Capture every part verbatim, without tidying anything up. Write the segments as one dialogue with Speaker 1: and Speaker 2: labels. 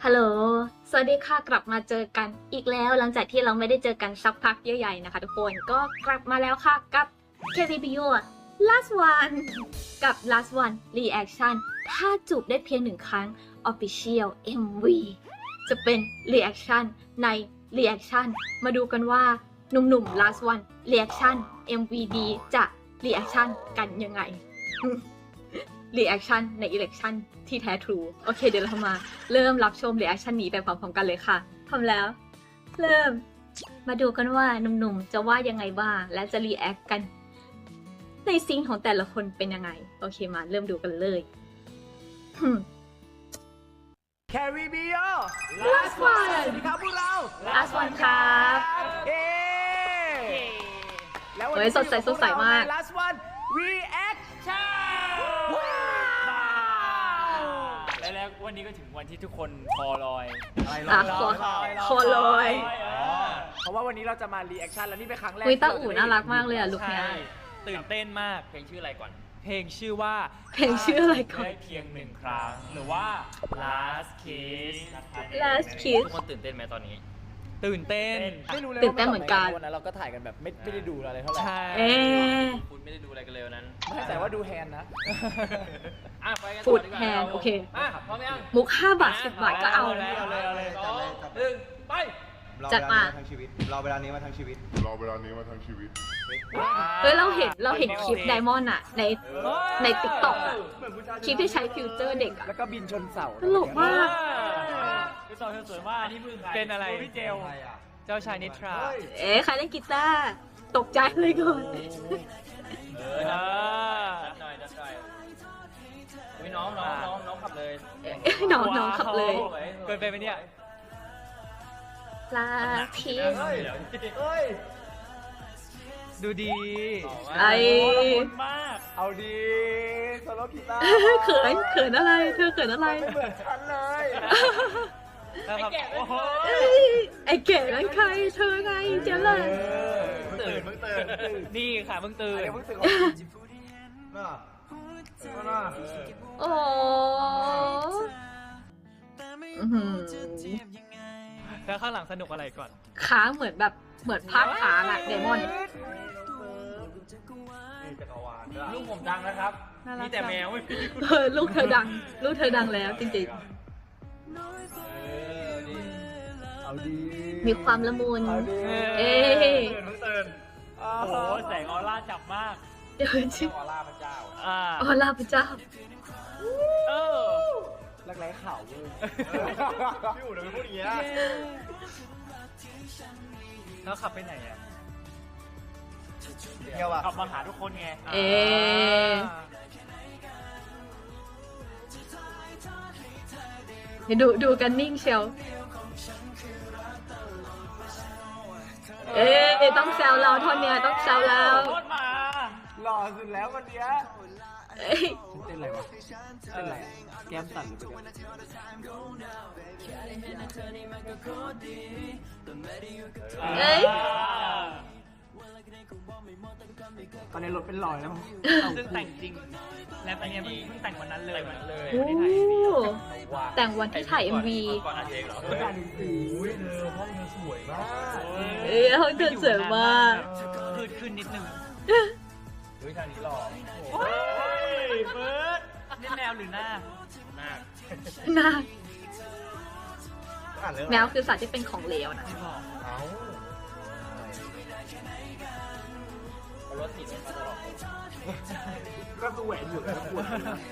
Speaker 1: ฮัลโหล สวัสดีค่ะ กลับมาเจอกันอีกแล้วหลังจากที่เราไม่ได้เจอกันสักพักใหญ่ๆนะคะทุกคน ก็กลับมาแล้วค่ะกับ เค พี บี ยู last one กับ last one reaction ถ้าจูบได้เพียงหนึ่งครั้ง official เอ็ม วี จะเป็น reaction ใน reaction มาดูกันว่าหนุ่มๆ last one reaction เอ็ม วี ดี จะ reaction กันยังไง reaction ใน election ที่แท้ทรูโอเคเดี๋ยวเรามาเริ่มรับชม reaction นี้ไปพร้อมๆกันเลยค่ะพร้อมแล้ว เริ่มมาดูกันว่าหนุ่มๆจะว่ายังไงบ้างและจะ react กันในซีนของแต่ละคนเป็นยังไงโอเคมาเริ่มดูกันเลย
Speaker 2: แคริบิโอ
Speaker 1: last one
Speaker 2: สวัสดีครับพวกเรา
Speaker 1: last one ครับ
Speaker 2: เย้แล้ววัน
Speaker 1: เฮ้
Speaker 2: นี้
Speaker 1: ยสดใสสดใสมาก
Speaker 2: ใน last one reaction ว้าว
Speaker 3: และแล้ววันนี้ก็ถึงวันที่ทุกคนคอลอย
Speaker 2: อะไร
Speaker 1: อ่ะ
Speaker 2: ร
Speaker 1: คอ
Speaker 2: ร
Speaker 1: คอลอย
Speaker 2: เพราะว่าวันนี้เราจะมา reaction แล้วนี่เป็นครั้งแรก
Speaker 1: อุ้ย
Speaker 2: ที่
Speaker 1: ตา
Speaker 2: เจะ
Speaker 1: อู่
Speaker 2: ได้
Speaker 1: น่ารักมากเลยอ่ะลุค
Speaker 3: ใช่
Speaker 1: เนี้ย
Speaker 3: ตื่นเต้นมาก
Speaker 4: เพลงชื่ออะไรก่อน
Speaker 3: เพลงชื่อว่า
Speaker 1: เพลงชื่ออะไรก่อน
Speaker 3: ได้เพียงหนึ่งครั้ง หรือว่า last kiss นะครับ
Speaker 1: last kiss
Speaker 4: ทุกคนตื่นเต้นไหมตอนนี้
Speaker 3: ตื่นเต้น
Speaker 2: ไม่รู้เลย
Speaker 1: ตื่นเต้นเหมือนกัน
Speaker 2: วันนั้นเราก็ถ่ายกันแบบไม่ไม่ได้ดูอะไรเท่าไหร่
Speaker 3: ใช่
Speaker 1: เอ๊ะ
Speaker 4: คุณไม่ได้ดูอะไรกันเลยวันนั้น
Speaker 2: ไม่แต่ว่าดูแฮนด์นะ
Speaker 4: อ่ะไปกัน
Speaker 1: ฟู
Speaker 4: ต่อ
Speaker 1: ด
Speaker 4: ดีกว่า
Speaker 1: แฮนด์โอเค
Speaker 4: อ่ะพร้อมยัง
Speaker 1: มุกห้าบาทสิบบาทก็เอา
Speaker 3: เลยเอาเลยเอาเลย
Speaker 4: สองหนึ่งไป
Speaker 1: จัดมา
Speaker 5: รอเวลานี้มาทั้งชีวิตรอเวลานี้มาทั้งชีวิต
Speaker 1: เฮ้ยเราเห็นเราเห็นคลิปไดมอนด์อะในในติ๊กต็อกอะคลิปที่ใช้ฟิวเจอร์เด็กอะ
Speaker 2: แล้วก็บินชนเสา
Speaker 1: ตลกมาก
Speaker 3: คือสาวเธอสวยมากนี่มือเป็นอะไรพี่เจลเจ้าชายนิทรา
Speaker 1: เอ๊ะใครเล่นกีตาร์ตกใจเลยก่อน
Speaker 4: เออจัดหน่อยจัดหน่อยอุ้ยน้องน้องน้องน้องขับเลย
Speaker 1: น้องน้องขับเลย
Speaker 3: เกินไปไหมเนี่ย
Speaker 1: ลาพี
Speaker 4: เฮ้ยเฮ้ย
Speaker 3: ดูดี
Speaker 1: ไอ
Speaker 3: คนมาก
Speaker 2: เอาดีโซโลกีตาร์
Speaker 1: เขินเขินอะไร เธอเขินอะไร
Speaker 2: ไม่เหมือนฉันเลย
Speaker 3: แล้วครับโอ้โห
Speaker 1: เอ้ยไอเก๋นั่นใครเธอไงเจ๊เลย
Speaker 4: ตื่นเพิ่งตื่น
Speaker 3: นี่ค่ะเพิ่งตื่น
Speaker 2: เดี๋ยวเพิ่งตื่นของน่าน่า
Speaker 1: โอ้อื้อหือ
Speaker 3: แล้วข้างหลังสนุกอะไรก่อน
Speaker 1: ค้างเหมือนแบบเหมือนภาพค้างอะเดมอน
Speaker 4: ลูกผมดังนะครับ มีแต่แมวไม่มี
Speaker 1: เออลูกเธอดัง ลูกเธอดังแล้วจริง
Speaker 2: เอาดี
Speaker 1: ๆ มีความละมุน
Speaker 2: เอาดี
Speaker 1: เอ๊ะ
Speaker 3: ตื่นเพิ่งตื่นโอ้โหแสงออร่าจับมาก
Speaker 1: เดี๋ยวชิ
Speaker 4: ออร่าพระเจ้า
Speaker 3: อ่า
Speaker 1: อ๋อลาพระเจ้า
Speaker 3: เออ
Speaker 2: รักไร้ข่าวเว้ย
Speaker 5: พี่อู๋ทำไมพูดอย่างเงี้ย
Speaker 3: แล้วขับไปไหนอ่ะ
Speaker 5: เที่ยวอ่ะ
Speaker 3: ขับมาหาทุกคนไง
Speaker 1: เอ๊ะ เดี๋ยวดูดูกันนิ่งเชียว เอ๊ะต้องแซวเราท่อนเนี้ยต้องแซวเรา
Speaker 3: โคตรมา
Speaker 2: หล่อสุดแล้ววันเนี้ย
Speaker 1: เอ้ย
Speaker 2: เต้นอะไรวะเต้นอะไรอะแก้มสั่นหรือเปล่า
Speaker 1: เอ้ย
Speaker 2: ตอนนี้รถเป็นรอยแล้วมั้ง
Speaker 3: ซึ่งแต่งจริง และเป็นเนี่ยเพิ่งแต่งวันนั้นเลย
Speaker 4: แต่งวันนั้นเลย
Speaker 1: โอ้
Speaker 3: ไม่ได้ถ่ายวีดีโอ
Speaker 1: แต่งวันที่ถ่าย เอ็ม วี
Speaker 4: ก่อนอัดเพลงเหรอ
Speaker 2: การหนึ่งสี
Speaker 4: อุ้ยเธอห้องเธอสวยมาก
Speaker 1: เอ้ยเขาเดินสวยมาก
Speaker 3: ขึ้นขึ้นนิดนึง
Speaker 4: เฮ้ยทางนี้หล่อ
Speaker 3: โอ้ยเบิร์ดนี่แมวหรือหน้า
Speaker 4: หน้า
Speaker 1: น่า
Speaker 5: อ่านเรื่อง
Speaker 1: แมวคือสัตว์ที่เป็นของเหลวนะ
Speaker 3: ไม่บอก
Speaker 5: เอ้า
Speaker 4: เอารถติดมาตลอด
Speaker 2: ก็ตัวแหวนอยู่แล้วปวด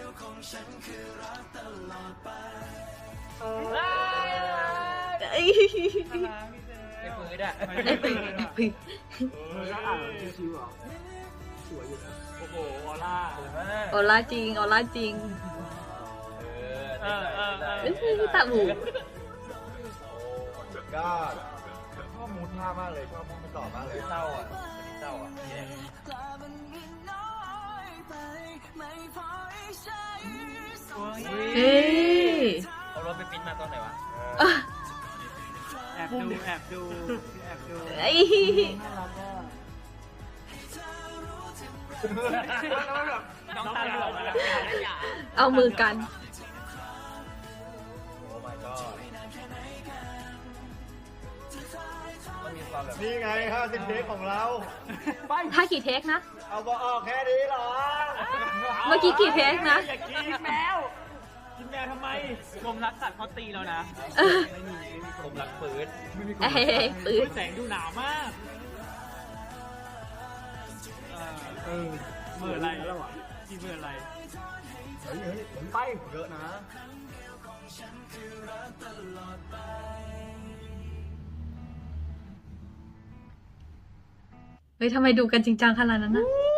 Speaker 1: เอ้ย
Speaker 4: ไอ้ปืนอะ
Speaker 1: ไอ้ปีไอ้ปี
Speaker 2: แล้วอ่านชิวๆเหรอสวยอยู่นะ
Speaker 3: โอ้โหออร่า
Speaker 4: สวยมาก
Speaker 1: ออร่าจริงออร่าจริง
Speaker 4: เออ
Speaker 3: เออเออเออ
Speaker 1: เอ้ยตาหู
Speaker 5: ก็ชอบมูดท่ามากเลยชอบมูดมันต่อมากเลย
Speaker 4: เศร้าอ่ะเศร้าอ่ะ
Speaker 1: เอ้ย
Speaker 4: เอารถไปปิ้นมาตอนไหนวะ
Speaker 1: อ่ะ
Speaker 3: แอบดูแอบดูแอบดู
Speaker 1: ไอ้
Speaker 3: น้องตาเหลือกแล้ว
Speaker 1: เอามือกัน
Speaker 5: โอ้ my god
Speaker 4: มันมีความแบบ
Speaker 5: นี่ไงห้าสิบเทคของเรา
Speaker 1: ถ้ากี่เทคนะ
Speaker 5: เอาบอกออกแค่นี้เหรอ
Speaker 1: เมื่อกี้กี่เทคนะ
Speaker 3: อย่ากินแมวกินแมวทำไมกรมรักสัตว์เขาตีแล้วนะ
Speaker 1: เออ
Speaker 4: ผมรักปืน
Speaker 1: เอ้ยปืน
Speaker 3: แสงดูหนาวมากเออเมื่อไรแล้วอ่ะกินเมื่อไร
Speaker 5: เฮ้ยเฮ้ยไปเยอะนะ
Speaker 1: เฮ้ยทำไมดูกันจริงจังขนาดนั้นนะ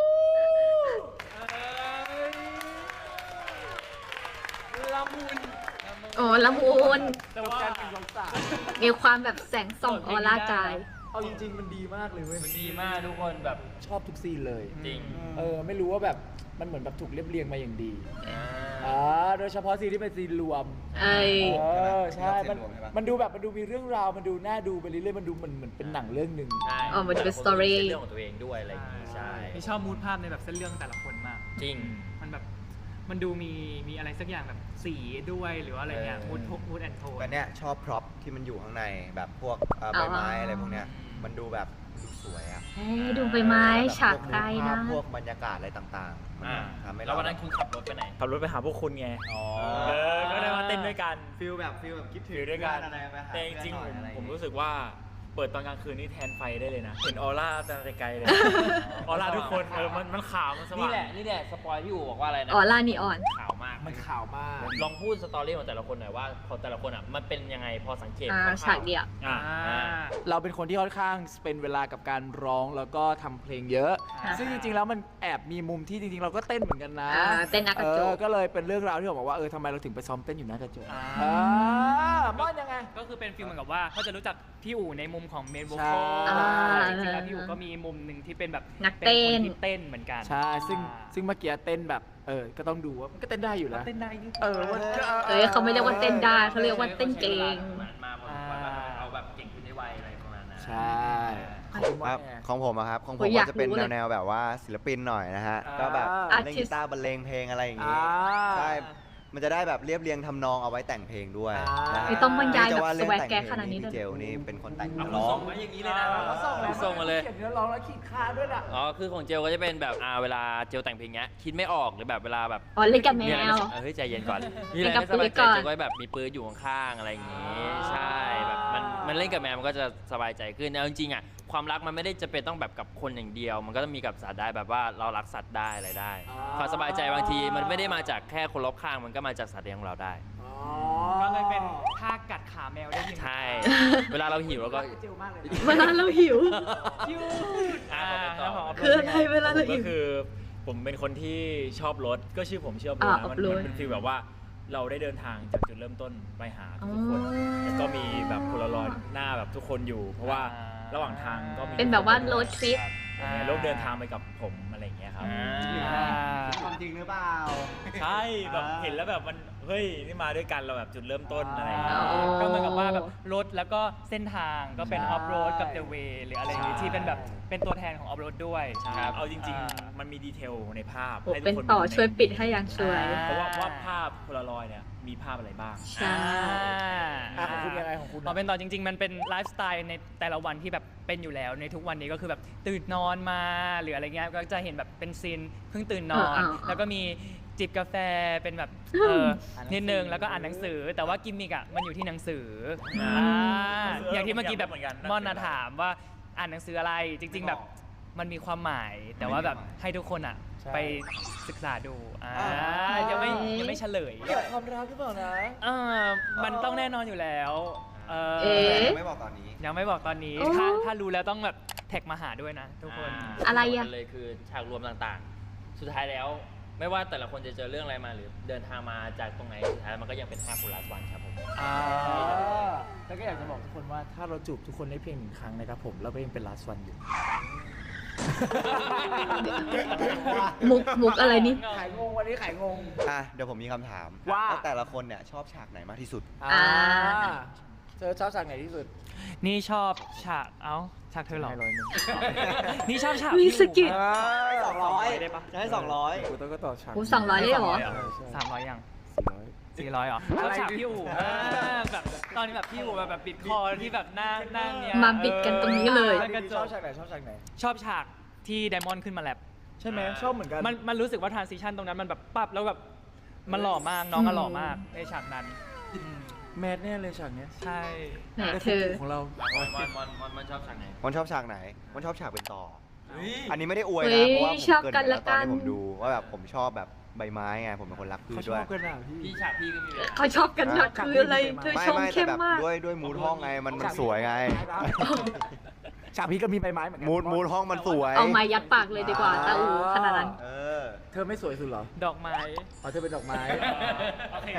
Speaker 3: ละมุน
Speaker 1: โอ้ละมุน
Speaker 3: แต่ว่า
Speaker 1: มีความแบบแสงส่องออร่ากาย
Speaker 2: เอาจริงๆมันดีมากเลยเว้ย
Speaker 4: มันดีมากทุกคนแบบ
Speaker 2: ชอบทุกซีนเลย
Speaker 4: จริง
Speaker 2: เออไม่รู้ว่าแบบมันเหมือนแบบถูกเรียบเรียงมาอย่างดี
Speaker 4: อ่า
Speaker 2: อ่าโดยเฉพาะซีนที่เป็นซีนรวม
Speaker 1: เอ้ย
Speaker 2: เออใช่มันมันดูแบบมันดูมีเรื่องราวมันดูน่าดูไปเรื่อยๆมันดูเหมือนเหมือนเป็นหนังเรื่องหนึ่ง
Speaker 4: ใช่
Speaker 1: อ๋อมันเป็น
Speaker 4: แต่ละค
Speaker 1: story
Speaker 4: มีเรื่องของตัวเองด้วยอะไรอย่างงี้ใช่
Speaker 3: นี่ชอบมูดภาพในแบบเส้นเรื่องแต่ละคนมาก
Speaker 4: จริง
Speaker 3: มันแบบมันดูมีมีอะไรสักอย่างแบบสีด้วยหรือว่าอะไรเงี้ย
Speaker 4: เออ
Speaker 3: มูดมูดแอนโทน
Speaker 5: แต่เนี้ยชอบพร็อพที่มันอยู่ข้างในแบบพวกเอ่อใบไม้อะไรพวกเนี้ยมันดูแบบดูสวยอ่ะ
Speaker 1: เฮ้ยดูใบไม้ฉาก
Speaker 5: พว
Speaker 1: ใกล้นะ
Speaker 5: พวกบรรยากาศอะไรต่างๆมัน
Speaker 4: อ่า
Speaker 5: ทำให้
Speaker 4: แล้ว
Speaker 5: เรา
Speaker 4: วันนั้นคุณขับรถไปไหน
Speaker 6: ขับรถไปหาพวกคุณไง
Speaker 4: อ๋อ
Speaker 6: เออ ก็ได้มาเต้นด้วยกัน
Speaker 5: ฟิลแบบฟิลแบบคิดถึง
Speaker 6: อยู่ด้วยกัน
Speaker 5: อะไรไปหา
Speaker 6: แต่จริงๆ
Speaker 5: เพื่
Speaker 6: ผ
Speaker 5: อนหน่อย
Speaker 6: ม
Speaker 5: อะไรอย่าง
Speaker 6: ผม
Speaker 5: งี้
Speaker 6: รู้สึกว่าเปิดตอนกลางคืนนี่แทนไฟได้เลยนะ เห็นออร่าแต่ไกลๆเลย ออร่าทุกคนเออมันมันขาวมันสว่าง
Speaker 4: นี่แหละนี่แหละสปอยพี่อู๋บอกว่าอะไรนะ
Speaker 1: ออร่านีออน
Speaker 4: ขาวมาก
Speaker 2: มันข่าวมาก
Speaker 4: ลองพูดสตอรี่ของแต่ละคนหน่อยว่าของแต่ละคนอ่ะมันเป็นยังไงพอสังเกต
Speaker 1: อ่า
Speaker 4: คร่วๆ
Speaker 1: ฉากเดียว
Speaker 6: อ่ะ
Speaker 3: อ่า
Speaker 2: เราเป็นคนที่ค่อนข้างเป็นเวลากับการร้องแล้วก็ทำเพลงเยอะ
Speaker 3: อ่า
Speaker 2: ซึ่งจริงๆแล้วมันแอบมีมุมที่จริงๆ เราก็เต้นเหมือนกันนะ
Speaker 1: อ่าเต้นหน้ากระจก
Speaker 2: เออก็เลยเป็นเรื่องราวที่ผมบอกว่าเออทำไมเราถึงไปซ้อมเต้นอยู่หน้ากระจก
Speaker 3: อ่า
Speaker 2: อ่าม่อนยังไง
Speaker 3: ก็คือเป็นฟิลเหมือนกับว่าเขาจะรู้จักพี่อู๋ในมุมของเมนโว
Speaker 2: ใช่
Speaker 3: คอล
Speaker 1: อ่า
Speaker 3: จริงๆแล้วพี่อู๋ก็มีมุมหนึ่งที่เป็นแบบ
Speaker 1: นักเต้น
Speaker 3: ป็คที่เต้นเหมือนกัน
Speaker 2: ใช่ซึ่ง
Speaker 3: อ่า
Speaker 2: ซึ่งเมื่อกี้เต้นแบบเออก็ต้องดูว่ามันก็เต้นได้อยู่นะ
Speaker 3: เต้นได้นี่
Speaker 2: เออมันก็
Speaker 1: เอ้ยเขาไม่เรียกว่าเต้นได้เขาเรียกว่าเต้นเก่ง
Speaker 4: เหมือนมาพอสมควรว่าเอาแบบเก่งขึ้นได้ไวอะไรประมาณนั้น
Speaker 2: ใช่ขอบคุณ
Speaker 5: ค
Speaker 2: มา
Speaker 5: รั
Speaker 2: ก
Speaker 5: บ
Speaker 2: แอร์
Speaker 5: ของผมอะครับของผ
Speaker 1: โอ้
Speaker 5: ม
Speaker 1: ยอยาก
Speaker 5: ก็จะเป็น
Speaker 1: รู้เลย
Speaker 5: แนวๆแบบว่าศิลปินหน่อยนะฮะ
Speaker 2: อ่า
Speaker 5: ก็แบบ
Speaker 1: Artist
Speaker 5: เล่นกีตาร์บรรเลงเพลงอะไรอย่างงี้
Speaker 2: อ่า
Speaker 5: ใช่มันจะได้แบบเรียบเรียงทำนองเอาไว้แต่งเพลงด้วย
Speaker 2: อ่า
Speaker 5: นะฮะ
Speaker 1: ไม่ต้องบรรยายแบบ
Speaker 5: จะว่าเรื่อง
Speaker 1: swag
Speaker 5: แต่ง
Speaker 1: แก๊
Speaker 5: เพลง
Speaker 1: ขนาดนี้
Speaker 5: นี่
Speaker 1: เลย
Speaker 5: พี่เจลนี่เป็นคนแต่ง
Speaker 4: เอา
Speaker 5: ร้อง
Speaker 4: ส่งมาอย่างนี้เลยนะ
Speaker 2: เขาส่งแล้ว
Speaker 4: ส่งมาเลย
Speaker 2: เขียนเนื้อร้องแล้วขีดค่าด้วยนะ
Speaker 4: อ๋อคือของเจลก็จะเป็นแบบอ่าเวลาเจลแต่งเพลงเงี้ยคิดไม่ออกหรือแบบเวลาแบบ
Speaker 1: อ๋อเล่นกับแม
Speaker 4: มีอะไร
Speaker 1: ว
Speaker 4: ไม่เฮ้ยใจเย็นก่อนมีอะไร
Speaker 1: เล่นกับ
Speaker 4: ไม่สบายใจ
Speaker 1: ปืนก่อน
Speaker 4: เจลก็แบบมีปืนอยู่ข้างๆอะไรอย่างงี้ใช่แบบมันมันเล่นกับแมวมันก็จะสบายใจขึ้นเอาจริงๆอ่ะความรักมันไม่ได้จะเป็นต้องแบบกับคนอย่างเดียว มันก็ต้องมีกับสัตว์ได้แบบว่าเรารักสัตว์ได้อะไรได้
Speaker 2: อ๋อ
Speaker 4: ความสบายใจบางทีมันไม่ได้มาจากแค่คนรอบข้างมันก็มาจากสัตว์เลี้ยงของเราได้
Speaker 3: ก็เลยเป็นท่ากัดขาแมวได้ยิน
Speaker 4: ใช่ เวลาเราหิวเราก็
Speaker 2: เจลมากเลย
Speaker 1: เวลาเราหิว
Speaker 3: ยูด
Speaker 4: อ่า
Speaker 3: แล้วข
Speaker 1: คืออะไรเวลา
Speaker 6: ผ
Speaker 1: เรา
Speaker 6: มก็
Speaker 1: หิว
Speaker 6: คือผมเป็นคนที่ชอบรถ ก็ชื่อผมชอบรถ
Speaker 1: อ่า
Speaker 6: นะมัน
Speaker 1: off-road
Speaker 6: มันเป็นฟีลแบบว่าเราได้เดินทางจากจุดเริ่มต้นไปหาทุกคน
Speaker 1: อ๋อ
Speaker 6: แล้วก็มีแบบโพลารอยด์หน้าแบบทุกคนอยู่ เพราะว่าระหว่างทางก็มี
Speaker 1: เป็นแบบว่า road trip
Speaker 6: อย่างเงี้ยร่วมเดินทางไปกับผมอะไรอย่างเงี้ยครับ
Speaker 3: อ่า
Speaker 5: ความจริงหรือเปล่า
Speaker 6: ใช่แบบเห็นแล้วแบบมันเฮ้ยนี่มาด้วยกันเราแบบจุดเริ่มต้นอะไรอย่างเงี้ย
Speaker 1: อ๋อ
Speaker 3: ก็เหมือนกับว่าแบบรถแล้วก็เส้นทางก็เป็น
Speaker 2: ใช่
Speaker 3: ออฟโรดกับเดอะเวย์หรืออะไรอย่างงี้
Speaker 6: ใช่
Speaker 3: ที่เป็นแบบเป็นตัวแทนของออฟโรดด้วย
Speaker 6: ใช่
Speaker 3: ครับ
Speaker 6: เอาจริง
Speaker 3: อ่า
Speaker 6: ๆ มันมีดีเทลในภาพ
Speaker 1: โอ้
Speaker 6: ให้ทุ
Speaker 1: เป็น
Speaker 6: กคน
Speaker 1: ต่อ
Speaker 6: ดูใน
Speaker 1: ช่วยปิดให้อย่างสวย
Speaker 3: อ่
Speaker 6: เพราะว่าว่าภาพโพลารอยด์เนี่ยมีภาพอะไรบ้าง
Speaker 1: ใช่
Speaker 2: อ่ะของคุณยังไงของคุณ
Speaker 3: พอเป็นต่อจริง ๆ มันเป็นไลฟ์สไตล์ในแต่ละวันที่แบบเป็นอยู่แล้วในทุกวันนี้ก็คือแบบตื่นนอนมาหรืออะไรเงี้ยก็จะเห็นแบบเป็นซีนเพิ่งตื่นนอน
Speaker 1: อ่าๆๆ
Speaker 3: แล้วก็มีจิบกาแฟเป็นแบบเออนิดนึงแล้วก็อ่านหนังสือ แต่ว่ากิมมิกอ่ะมันอยู่ที่หนังสืออ่า
Speaker 6: เออ
Speaker 3: อย่างที่เมื่อกี้แบบ
Speaker 6: เหมือนกัน
Speaker 3: ม่อนนาถามว่าอ่านหนังสืออะไรจริง ๆ แบบมันมีความหมาย แต่ว่าแบบให้ทุกคนอ่ะ
Speaker 2: ใช่
Speaker 3: ไปศึกษาดูอ่า
Speaker 2: อ่ายั
Speaker 3: ยังไม่ยังไม่เฉลย
Speaker 2: เกี่ยวกับความรักหรือเปล่านะ
Speaker 3: เออมันต้องแน่นอนอยู่แล้วเออ
Speaker 1: เอ๊ะ
Speaker 5: ไม่บอกตอนนี้
Speaker 3: ยังไม่บอกตอนนี้
Speaker 1: โอ้
Speaker 3: ถ้าถ้ารู้แล้วต้องแบบแท็กมาหาด้วยนะทุกคน
Speaker 1: อะไรอะ
Speaker 4: เลยคือฉากรวมต่างๆ สุดท้ายแล้ว ไม่ว่าแต่ละคนจะเจอเรื่องอะไรมาหรือเดินทางมาจากตรงไหนสุดท้ายมันก็ยังเป็นห้าคนลาสวันครับผม
Speaker 2: อ่าแล้วก็อยากจะบอกทุกคนว่าถ้าเราจูบทุกคนได้เพียงหนึ่งครั้งนะครับผมเราก็ยังเป็น last one อยู่
Speaker 1: มุกมุกอะไรนี่
Speaker 2: ขายงงวันนี้ขายงง
Speaker 5: อ่ะเดี๋ยวผมมีคำถาม
Speaker 2: ว่า
Speaker 5: แต่ละคนเนี่ยชอบฉากไหนมากที่สุด
Speaker 2: อ่าเธอชอบฉากไหนที่สุด
Speaker 3: นี่ชอบฉากเอ้าฉากเธอเหรอ
Speaker 2: ให้ร้อยหนึ่ง
Speaker 3: นี่ชอบฉาก
Speaker 1: มี
Speaker 3: พี่
Speaker 1: สกิด
Speaker 5: สองร้อย
Speaker 3: ได้ปะ
Speaker 5: จะให้สองร้อย
Speaker 2: กูต้องก็ต่อฉาก
Speaker 1: โอ้สองร้อยเลยเหรอ
Speaker 2: ใช่ใช่
Speaker 3: สามร้อยยัง
Speaker 2: สี่ร้อย
Speaker 3: สี่ร้อยเหรอชอบฉากพี่อู๋
Speaker 2: อะไร
Speaker 3: อ่าแบบตอนอนที่แบบพี่อู๋แบบแบบปิดคอที่แบบหน้าหน้าเนี่ย
Speaker 1: มาบิดกันตรงนี้เลย
Speaker 3: มันกระจ
Speaker 2: ชอก บฉากไหนชอบฉากไหน
Speaker 3: ชอบฉากที่ไดมอนด์ขึ้นมาแรป
Speaker 2: ใช่ไหมชอบเหมือนกัน
Speaker 3: มันมันรู้สึกว่าทรานซิชันตรงนั้นมันแบบปั๊บแล้วแบบมันหล่อมากน้องก็หล่อมากในฉากนั้นอืม
Speaker 2: แมทเนี่ยเลยฉากเนี้ย
Speaker 3: ใช่
Speaker 1: ไหน
Speaker 2: ได้
Speaker 1: เธอ
Speaker 2: ของเรา
Speaker 4: มอนมอนมอนมอนมันชอบฉากไหน
Speaker 5: มันชอบฉากไหนมันชอบฉากเป็นต่อ
Speaker 4: เฮ้ย
Speaker 5: อันนี้ไม่ได้อวย
Speaker 1: เฮ้
Speaker 5: นะ
Speaker 1: ย
Speaker 5: เพราะว่าผม
Speaker 1: ชอบ
Speaker 5: เกริน
Speaker 1: กัน
Speaker 5: ไป
Speaker 1: ละ
Speaker 5: แล้วตอนที่
Speaker 1: กัน
Speaker 5: ผมดูว่าแบบผมชอบแบบใบไม้ไงผมเป็นคนรักพื
Speaker 2: เขา
Speaker 5: ช
Speaker 2: ช
Speaker 5: ด้
Speaker 2: อ
Speaker 5: วย
Speaker 2: บกันอ่ะพี่
Speaker 4: พี่ฉากพี่ก็มีแบบ
Speaker 1: เขาชอบกันหนักคืออะไรเธอ
Speaker 5: ไม่
Speaker 1: ชม
Speaker 5: ไม่แต่
Speaker 1: เข้ม
Speaker 5: แบบ
Speaker 1: มาก
Speaker 5: ด้วยด้วยมูดห้องไงมันมันสวยไง
Speaker 2: ฉากพี่ก็มีใบไม้เหมือนกั
Speaker 5: มูดมูดห้องมันสวย
Speaker 1: เอาไม้ยัดปากเลยดีกว่าตาอูขนาดนั้น
Speaker 5: เออ
Speaker 2: เธอไม่สวยสุดเหรอ
Speaker 3: ดอกไม้
Speaker 2: อ๋อเธอเป็นดอกไม้
Speaker 6: โอเค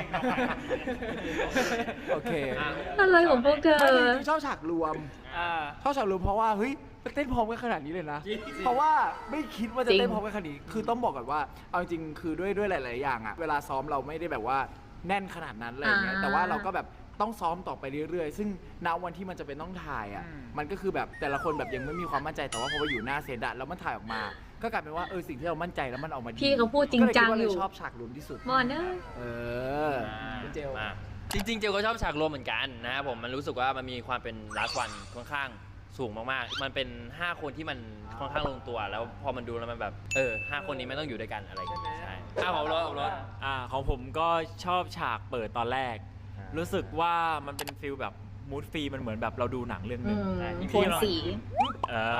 Speaker 2: โอเค
Speaker 1: อะไรของพวกเธอ
Speaker 2: ไม่จริงๆชอบฉากรวม
Speaker 3: อ่า
Speaker 2: ชอบฉากรวมเพราะว่าเฮ้ยเต้นพร้อมกันขนาดนี้เลยนะ เพราะว่าไม่คิดว่าจะ
Speaker 1: จริง
Speaker 2: เต้นพร้อมกันขนาดนี้ คือต้องบอกก่อนว่า เอาจริงๆคือด้วยด้วยหลาย ๆ อย่างอะเวลาซ้อมเราไม่ได้แบบว่าแน่นขนาดนั้นอะไรอย่างเงี้ย แต่ว่าเราก็แบบต้องซ้อมต่อไปเรื่อย ๆ ซึ่งณวันที่มันจะเป็นต้องถ่ายอะ
Speaker 3: อืม
Speaker 2: มันก็คือแบบแต่ละคนแบบยังไม่มีความมั่นใจ แต่ว่าพอไปอยู่หน้าเซตอะแล้วมันถ่ายออกมา ก็กลายเป็นว่าเออสิ่งที่เรามั่นใจแล้วมันออกมาดี
Speaker 1: พี่เขาพูดจริงจัง
Speaker 2: ก็เล
Speaker 1: อยู่
Speaker 2: คิดว่าเลชอบฉากรวมที่สุด
Speaker 1: มอนเนอ
Speaker 2: เออคุณเจล
Speaker 4: มาจริงๆ เจลก็ชอบฉากรวมเหมือนกันนะครับผมมันรู้สึกว่ามันมีความเป็น last one ค่อนข้างสูงมากๆ มันเป็น ห้า คนที่มันค่อนข้างลงตัว แล้วพอมันดูแล้วมันแบบเออห้าคนนี้ไม่ต้องอยู่ด้วยกันอะไรอย่างเงี้ยใช่อ้าวผมรถผมรถ
Speaker 6: อ่าของผมก็ชอบฉากเปิดตอนแรก รู้สึกว่ามันเป็นฟิลแบบมูดฟรีมันเหมือนแบบเราดูหนังเรื่องห
Speaker 1: อื
Speaker 6: นึ่ง
Speaker 1: มโทนสี
Speaker 6: เออ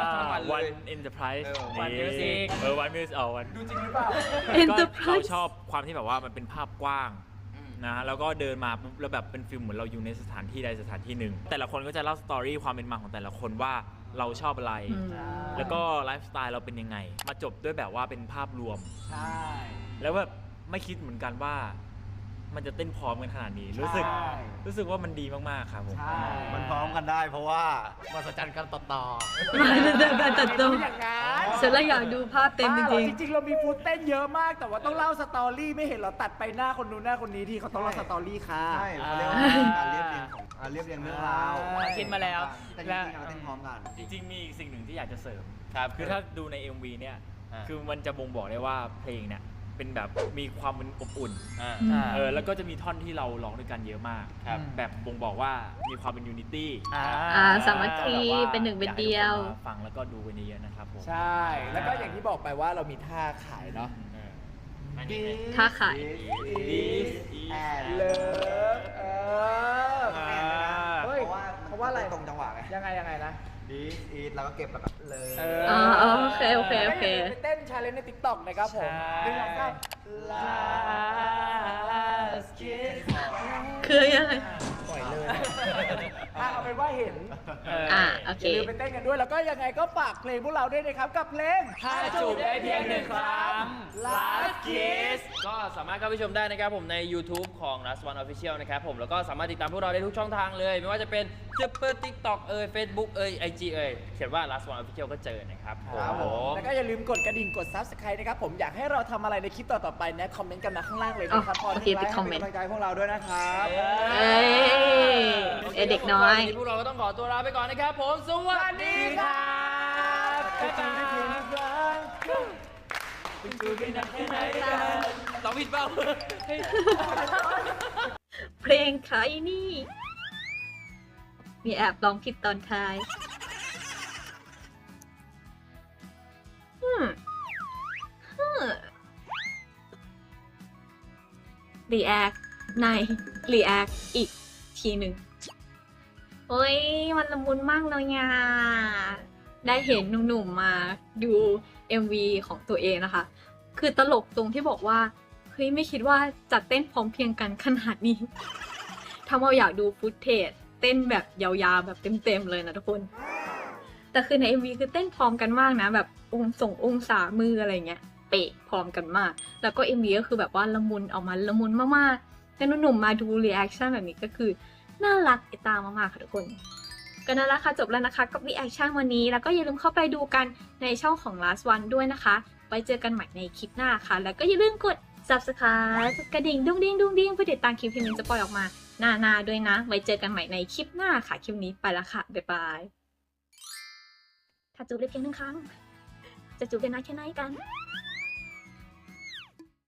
Speaker 6: One Enterprise
Speaker 3: เออ One Music
Speaker 6: เออ One Music เอาวัน
Speaker 2: ดูจริงหรือเปล่า
Speaker 6: ก็
Speaker 1: Enterprise
Speaker 6: เราชอบความที่แบบว่ามันเป็นภาพกว้างนะแล้วก็เดินมาปุ๊บแล้วแบบเป็นฟิลเหมือนเราอยู่ในสถานที่ใดสถานที่หนึ่ง แต่ละคนก็จะเล่าสตอรี่ความเป็นมาของแต่ละคนว่าเราชอบอะไร
Speaker 1: อืม
Speaker 6: แล้วก็ไลฟ์สไตล์เราเป็นยังไง มาจบด้วยแบบว่าเป็นภาพรวม
Speaker 2: ใช่
Speaker 6: แล้วแบบไม่คิดเหมือนกันว่า มันจะเต้นพร้อมกันขนาดนี้ รู้สึก
Speaker 2: ใช่
Speaker 6: รู้สึกว่ามันดีมากๆครับผม
Speaker 2: ใช่
Speaker 5: มันพร้อมกันได้เพราะว่ามาสัจจันกันต่อต่อ
Speaker 1: มาเดินกันตัดตรง
Speaker 2: อย่างนั้น
Speaker 1: ฉันเลยอยากดูภาพเต็มจ
Speaker 2: บ้าหอ
Speaker 1: ริง
Speaker 2: จริงๆ เรามีฟูดเต้นเยอะมาก แต่ว่าต้องเล่าสตอรี่ไม่เห็นเราตัดไปหน้าคนนู้นหน้าคนนี้ที่เขาต้องเล่าสตอรี่ค่ะ
Speaker 5: ใช่เขาเรียกว่าการเรียบเรียงของอ่าเรียบเรียงเรื่องราว
Speaker 3: คิดมาแล้ว
Speaker 5: แต่จริงๆเราเต้นพร้อมกัน
Speaker 6: จริงๆมีอีกสิ่งหนึ่งที่อยากจะเสริม
Speaker 4: ครับ
Speaker 6: คือถ้าดูใน เอ็ม วี เนี่ย
Speaker 4: อ่า
Speaker 6: คือมันจะบ่งบอกได้ว่าเพลงเนี่ยเป็นแบบมีความเป็นอบอุ่น
Speaker 4: อ่า
Speaker 1: อืม
Speaker 6: เออแล้วก็จะมีท่อนที่เราร้องด้วยกันเยอะมาก
Speaker 4: ครับ
Speaker 6: แบบบ่งบอกว่ามีความเป็นยูนิตี้
Speaker 2: อ่า
Speaker 1: อ่าสามัคคีเป็นหนึ่งเป็นเดียว
Speaker 6: ฟังแล้วก็ดูกันเยอะๆนะครับผม
Speaker 2: ใช่ แล้วก็อย่างที่บอกไปว่าเรามีท่าขายเนาะ
Speaker 4: อันนี้
Speaker 1: ท่าขาย
Speaker 5: This and
Speaker 2: เลิฟเออ
Speaker 6: อ่า
Speaker 2: เฮ้ย
Speaker 5: เพราะว่า
Speaker 2: เพราะว่าอะไร
Speaker 5: ตรงจังหวะไง
Speaker 2: ยังไงยังไงนะ
Speaker 5: This is แล้วก็เก็บแล้วก็เลย
Speaker 2: เอ
Speaker 1: อ่าโอเคโอเคโอเค
Speaker 2: ไปเต้นชาเลนจ์ใน ติ๊กต็อก นะครับผม
Speaker 6: ใช่
Speaker 2: หนึ่งสองสาม
Speaker 6: Last kiss
Speaker 1: คือยังไง
Speaker 2: ปล่อยเลยอ่ะเอาเป็นว่าเห็น
Speaker 1: อ่าโอ
Speaker 2: อ
Speaker 1: เค
Speaker 2: ย่าลืมไปเต้นกันด้วย แล้วก็ยังไงก็ฝากเพลงพวกเราด้วยนะครับ กับเพลง
Speaker 6: ถ้าจูบได้เพียงหนึ่งครั้ง
Speaker 2: Last Kiss
Speaker 4: ก็สามารถเข้าไปชมได้นะครับผมใน YouTube ของ last one official นะครับผมแล้วก็สามารถติดตามพวกเราได้ทุกช่องทางเลย ไม่ว่าจะเป็น Twitter TikTok เอ่ย Facebook เอ่ย ไอ จี เอ่ยเขียนว่า last one official ก็เจอนะครับ
Speaker 2: ครับ
Speaker 4: ผ
Speaker 2: ผม
Speaker 4: ม
Speaker 2: แล้วก็อย่าลืมกดกระดิ่งกด ซับสไครบ์ นะครับผมอยากให้เราทำอะไรในคลิปต่อๆไปนะคอมเมนต์กันนะข้างล่างเลยนะครับ
Speaker 1: อ๋อโอเคติดคอมเมนต์
Speaker 5: ให้กำลังใจพวกเราด้วยนะครับ
Speaker 1: เอ้ยเอ้ยเด็กน้อย
Speaker 4: วันนี้พวกเราก็ต้องขอตัวลาไปก่อนนะครับผม สวัสดีครับ
Speaker 2: จะจูบได้เพียงหนึ่งครั้ง
Speaker 4: เราผิดเปล่า
Speaker 1: เพลงใครนี่ มีแอบร้องผิดตอนท้ายฮึมฮึมรีแอคในรีแอคอีกทีหนึ่งโอ้ย มันละมุนมากเลยอ่ะได้เห็นหนุ่มๆมาดู เอ็ม วี ของตัวเองนะคะ คือตลกตรงที่บอกว่า เฮ้ย ไม่คิดว่าจะเต้นพร้อมเพรียงกันขนาดนี้ ถ้าเราอยากดูฟุตเทจเต้นแบบยาวๆแบบเต็มๆเลยนะทุกคน แต่คือใน เอ็ม วี คือเต้นพร้อมกันมากนะ แบบองค์ส่งองศามืออะไรเงี้ย เป๊ะพร้อมกันมาก แล้วก็ เอ็ม วี ก็คือแบบว่าละมุนออกมาละมุนมากๆแต่หนุ่มๆมาดูรีแอคชั่นแบบนี้ก็คือน่ารักไอตามากๆค่ะทุกคน ก็นั่นแหละค่ะจบแล้วนะคะกับรีแอคชั่นวันนี้แล้วก็อย่าลืมเข้าไปดูกันในช่องของ last one ด้วยนะคะไว้เจอกันใหม่ในคลิปหน้าค่ะ แล้วก็อย่าลืมกด ซับสไครบ์ กระดิ่งดุ้งดิ้งดุ้งดิ้งเพื่อติดตามคลิปที่มินจะปล่อยออกมาหน้าๆด้วยนะ ไว้เจอกันใหม่ในคลิปหน้าค่ะคลิปนี้ไปละค่ะบ๊ายบายถ้าจูบได้เพียงหนึ่งครั้งจะจูบได้นานแค่ไหนกัน